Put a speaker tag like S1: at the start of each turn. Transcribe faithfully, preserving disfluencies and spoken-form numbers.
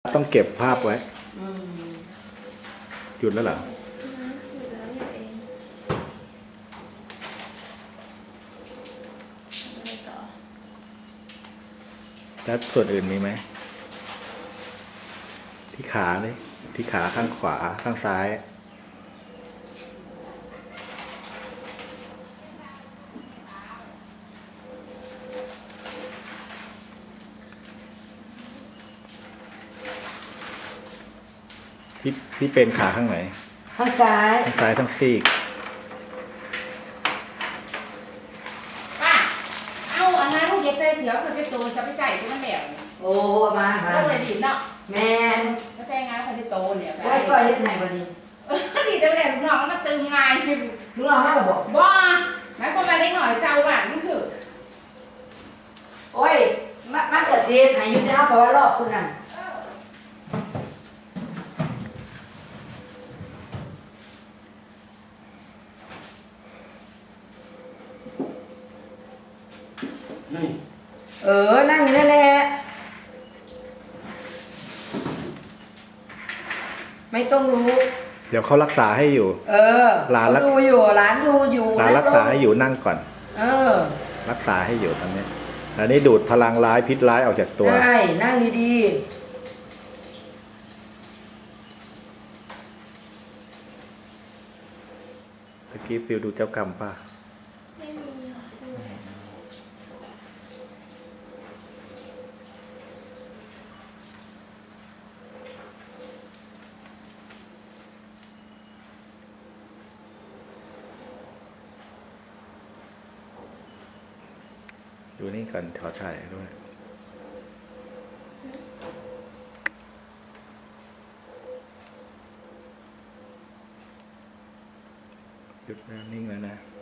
S1: ต้องเก็บภาพไว้หยุดแล้วเหรอแล้วส่วนอื่นมีไหมที่ขาเลยที่ขาข้างขวาข้างซ้ายที่ที่เป็นขาข้างไหน
S2: ข้างซ้าย
S1: ข้างซ้ายทั้งซีก
S3: ป้าเอาอันนั้นลูกเด็กใส่เสือเขาจะโตจะไปใส่ที่มันแหลว
S2: โอ้มา
S3: มาแล้วเลยดีเนาะ
S2: แมน
S3: ก็ใส่งานเขาจะโตเนี่ย
S2: ไปปล่อยเฮ็ดไหนบ่ดี
S3: ดีแต่แหลวลูกน้องมันตึงไง
S2: ลูกน้องมาบอก
S3: บ่หมายความว่าเด็กหน่อยเจ้าบ้านมันคือ
S2: โอ้ยมันมันก็สิให้อยู่แต่เฮาเพราะว่ารอบคุณนั่นเออนั่งอยู่นั่นแหละไม่ต้องรู้
S1: เดี๋ยวเขารักษาให้อยู่
S2: เออหลานดูอยู่หลานดูอยู่
S1: หลานรักษาให้อยู่นั่งก่อน
S2: เออ
S1: รักษาให้อยู่ตอนนี้อันนี้ดูดพลังร้ายพิษร้ายออกจากตัว
S2: ใช่นั่งดี
S1: ๆตะกี้ฟิวดูเจ้ากรรมป่ะดูนี่ก่อนขอถ่ายด้วยหยุดแล้วนิ่งแล้วนะ